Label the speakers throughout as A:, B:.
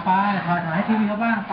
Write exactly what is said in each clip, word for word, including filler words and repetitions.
A: ไปถ่ายถ่ายให้ทีวีเขาบ้างไป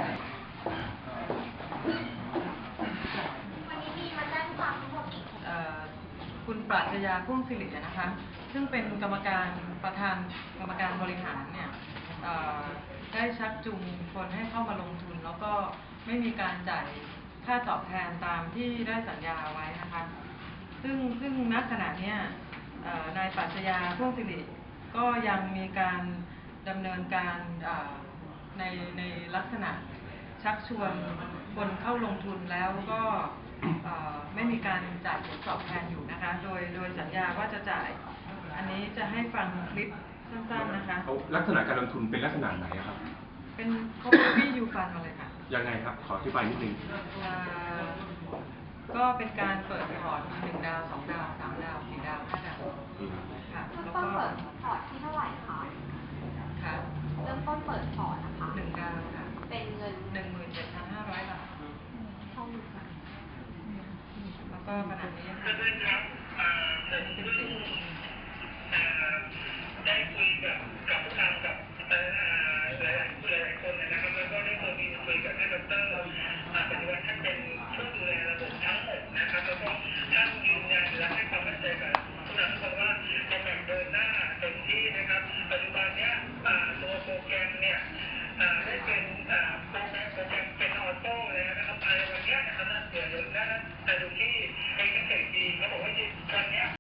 B: คุณปรัชญาพุ่มสิรินะคะ ซึ่งเป็นกรรมการประธานกรรมการบริหารเนี่ยได้ชักจูงคนให้เข้ามาลงทุนแล้วก็ไม่มีการจ่ายค่าตอบแทนตามที่ได้สัญญาไว้นะคะซึ่งซึ่งณขณะนี้นายปรัชญาพุ่มสิริก็ยังมีการดำเนินการในในลักษณะชักชวนคนเข้าลงทุนแล้วก็ไม่มีการจ่ายผลตอบแทนอยู่นะคะโดยโดยสัญญาว่าจะจ่ายอันนี้จะให้ฟังคลิปสั้นๆนะคะ
C: ลักษณะการลงทุนเป็นลักษณะไหนครับ
B: เป็นเขาเป็นวี่ยูฟันมาเลยค่ะ
C: ยังไงครับขออธิบายนิดนึง
B: ก็เป็นการเปิดพอร์ตหนึ่งดาวสองดาวสามดาวสี่ดาวห้าดาวค่ะ
D: แล้วก็เปิดพอร์ตที่เท่าไหร่คะ
B: ค่ะ
D: เริ่มต้นเปิดพอร์ตนะคะ
B: หนึ่งดาวค่ะ
D: เป็นเงิน
B: หนึ่งหมื่นเจ็ดพันห้าร้อยบาท
D: เท่าไหร่คะ
B: แล้วก็ขณะนี้